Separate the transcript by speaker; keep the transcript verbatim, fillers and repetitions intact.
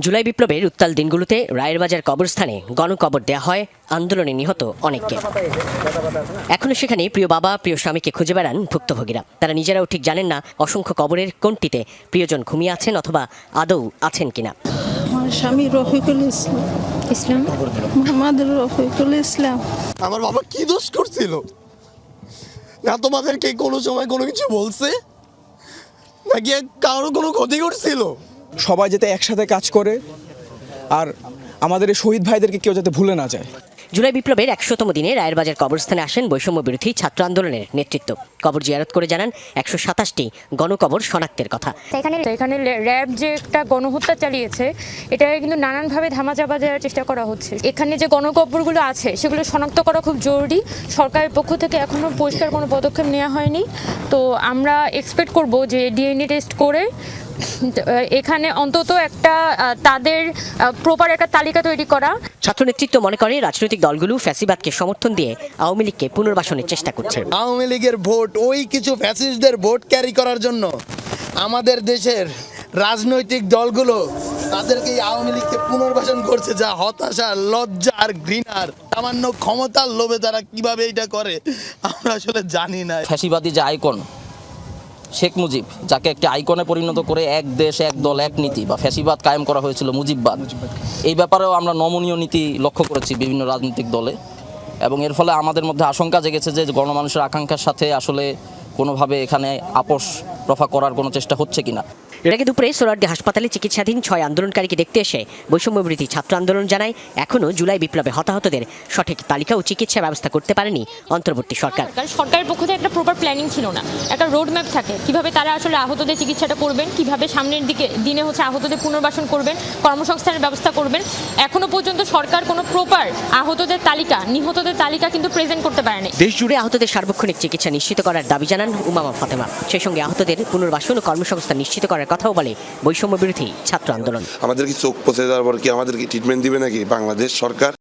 Speaker 1: জুলাই বিপ্লবের উত্তাল দিনগুলোতে রায়ের বাজার কবরস্থানে গণকবর দেয়া হয় আন্দোলনে নিহত অনেককে। এখনো সেখানে প্রিয় বাবা প্রিয় স্বামীকে খুঁজে বেড়ান ভুক্তভোগীরা। তারা নিজেরাও ঠিক জানেন না অসংখ্য কবরের কোনটিতে প্রিয়জন ঘুমিয়ে আছেন অথবা আদৌ আছেন কিনা।
Speaker 2: আমার স্বামী রফিকুল ইসলাম ইসলাম মোহাম্মদ রফিকুল ইসলাম।
Speaker 3: আমার বাবা কি দোষ করছিল না তোমাদেরকে কোনো সময় কোনো কিছু বলছে নাকি কারো কোনো ক্ষতি করছিল?
Speaker 4: সবাই যাতে একসাথে কাজ করে আর আমাদের এই শহীদ ভাইদেরকে কেউ যাতে ভুলে না যায়।
Speaker 1: জুলাই বিপ্লবের একশোতম দিনে রায়ের বাজার কবরস্থানে আসেন বৈষম্য বিরোধী ছাত্র আন্দোলনের নেতৃত্ব। কবর জিয়ারত করে জানান একশো সাতাশটি গণকবর শনাক্তের কথা।
Speaker 5: এখানে এখানে র্যাব যে একটা গণহত্যা চালিয়েছে এটা কিন্তু নানানভাবে ধামাচাপা দেওয়ার চেষ্টা করা হচ্ছে। এখানে যে গণকবরগুলো আছে সেগুলো শনাক্ত করা খুব জরুরি। সরকারের পক্ষ থেকে এখনো পরিষ্কার কোনো পদক্ষেপ নেওয়া হয়নি। তো আমরা এক্সপেক্ট করব যে ডিএনএ টেস্ট করে এখানে অন্তত একটা তাদের প্রপার একটা তালিকা তৈরি করা।
Speaker 1: ছাত্র নেতৃত্ব মনে করে রাজনৈতিক দলগুলো ফ্যাসিবাদকে সমর্থন দিয়ে আওয়ামী লীগকে পুনর্বাসনের চেষ্টা করছে।
Speaker 3: আওয়ামী লীগের ভোট ওই কিছু ফ্যাসিস্টদের ভোট ক্যারি করার জন্য আমাদের দেশের রাজনৈতিক দলগুলো তাদেরকে আওয়ামী লীগকে পুনর্বাসন করছে, যা হতাশা, লজ্জা আর ঘৃণার সামান্য ক্ষমতার লোভে তারা কিভাবে এটা করে আমরা আসলে জানি না।
Speaker 6: ফ্যাসিবাদী যে আইকন শেখ মুজিব, যাকে একটি আইকনে পরিণত করে এক দেশ এক দল এক নীতি বা ফ্যাসিবাদ কায়েম করা হয়েছিল মুজিববাদ, এই ব্যাপারেও আমরা নমনীয় নীতি লক্ষ্য করেছি বিভিন্ন রাজনৈতিক দলে। এবং এর ফলে আমাদের মধ্যে আশঙ্কা জেগেছে যে গণমানুষের আকাঙ্ক্ষার সাথে আসলে কোনোভাবে এখানে আপোষ রফা করার কোনো চেষ্টা হচ্ছে কিনা।
Speaker 1: এর আগে দুপুরে সোহরাওয়ার্দী হাসপাতালে চিকিৎসাধীন ছয় আন্দোলনকারীকে দেখতে এসে বৈষম্য বিরোধী ছাত্র আন্দোলন জানায় এখনও জুলাই বিপ্লবে হতাহতদের সঠিক তালিকা ও চিকিৎসা ব্যবস্থা করতে পারেনি অন্তর্বর্তী সরকার।
Speaker 5: সরকারের পক্ষ থেকে একটা প্রপার প্ল্যানিং ছিল না, একটা রোড ম্যাপ থাকে কিভাবে তারা আসলে আহতদের চিকিৎসাটা করবেন, কিভাবে সামনের দিকে দিনে হচ্ছে আহতদের পুনর্বাসন করবেন, কর্মসংস্থানের ব্যবস্থা করবেন। এখনো পর্যন্ত সরকার কোনো প্রপার আহতদের তালিকা, নিহতদের তালিকা কিন্তু প্রেজেন্ট করতে পারেনি।
Speaker 1: দেশ জুড়ে আহতদের সার্বক্ষণিক চিকিৎসা নিশ্চিত করার দাবি জানান উমামা ফাতেমা। সেই সঙ্গে আহতদের পুনর্বাসন ও কর্মসংস্থান নিশ্চিত করার কথাও বলে বৈষম্য বিরোধী ছাত্র আন্দোলন।
Speaker 7: আমাদের কি চোখ পচে যাওয়ার পর কি আমাদেরকে ট্রিটমেন্ট দিবে নাকি বাংলাদেশ সরকার?